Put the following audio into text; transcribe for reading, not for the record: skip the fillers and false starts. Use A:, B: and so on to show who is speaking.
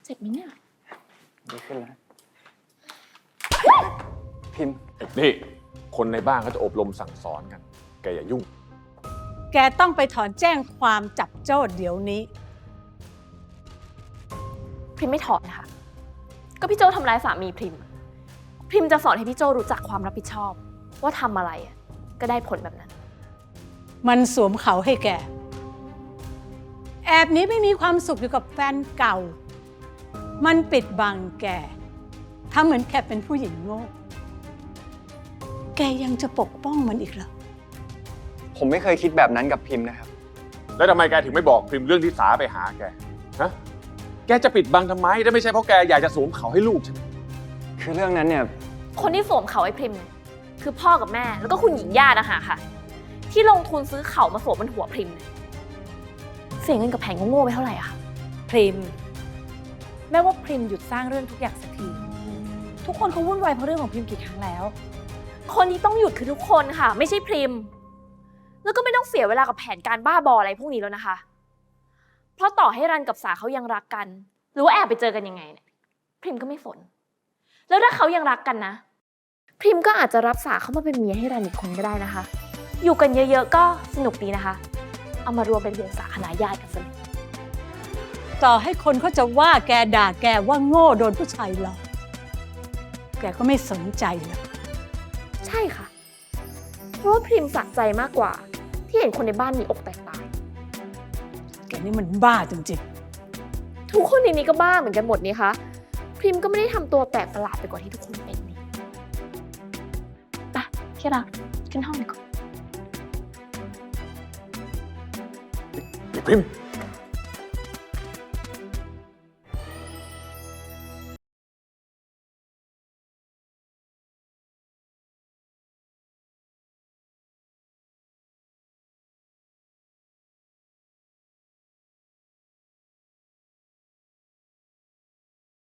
A: จ็บไหมเนี่ย
B: ดีขึ้นแล้วพิมพ์
C: นี่คนในบ้านเขาจะอบรมสั่งสอนกันแกอย่ายุ่ง
D: แกต้องไปถอนแจ้งความจับโจ้เดี๋ยวนี้
A: พริมไม่ถอนนะคะก็พี่โจทำร้ายสามีพริมจะสอนให้พี่โจรู้จักความรับผิดชอบว่าทำอะไรก็ได้ผลแบบนั้น
D: มันสวมเขาให้แกแอบหนี้ไม่มีความสุขอยู่กับแฟนเก่ามันปิดบังแกทำเหมือนแกเป็นผู้หญิงโง่แกยังจะปกป้องมันอีกเหรอ
B: ผมไม่เคยคิดแบบนั้นกับพิมพ์นะครับ
C: แล้วทำไมแกถึงไม่บอกพิมพ์เรื่องที่สาไปหาแกฮะแกจะปิดบังทำไมถ้าไม่ใช่เพราะแกอยากจะสวมเขาให้ลูกใช่ไหม
B: คือเรื่องนั้นเนี่ย
A: คนที่สวมเขาให้พริมเนี่ยคือพ่อกับแม่แล้วก็คุณหญิงย่านะคะค่ะที่ลงทุนซื้อเขามาสวมบนหัวพริมเสียเงินกับแผงโง่ๆไปเท่าไหร่อะคะ
E: พริมแม่ว่าพริมหยุดสร้างเรื่องทุกอย่างสักทีทุกคนเขาวุ่นวายเพราะเรื่องของพริมกี่ครั้งแล้ว
A: คนที่ต้องหยุดคือทุกคนค่ะไม่ใช่พริมแล้วก็ไม่ต้องเสียเวลากับแผนการบ้าบออะไรพวกนี้แล้วนะคะเพราะต่อให้รันกับสาเขายังรักกันหรือว่าแอบไปเจอกันยังไงเนี่ยพริมก็ไม่สนแล้วถ้าเขายังรักกันนะพริมก็อาจจะรับสาเขามาเป็นเมียให้รันอีกคนก็ได้นะคะอยู่กันเยอะๆก็สนุกดีนะคะเอามารวมเป็นวงสาคณะญาติกันซะเลย
D: ต่อให้คนเขาจะว่าแกด่าแกว่าโง่โดนผู้ชายหลอกแกก็ไม่สนใจหรอก
A: ใช่ค่ะเพราะว่าพริมสะใจมากกว่าที่เห็นคนในบ้านมีอกแตกตาย
D: แกนี่มันบ้าจริง
A: ๆทุกคนในนี้ก็บ้าเหมือนกันหมดนี่คะพริมก็ไม่ได้ทำตัวแปลกประหลาดไปกว่าที่ทุกคนเป็นนี่ไปที่รักขึ้นห้องดีกว่า
C: พิมพ์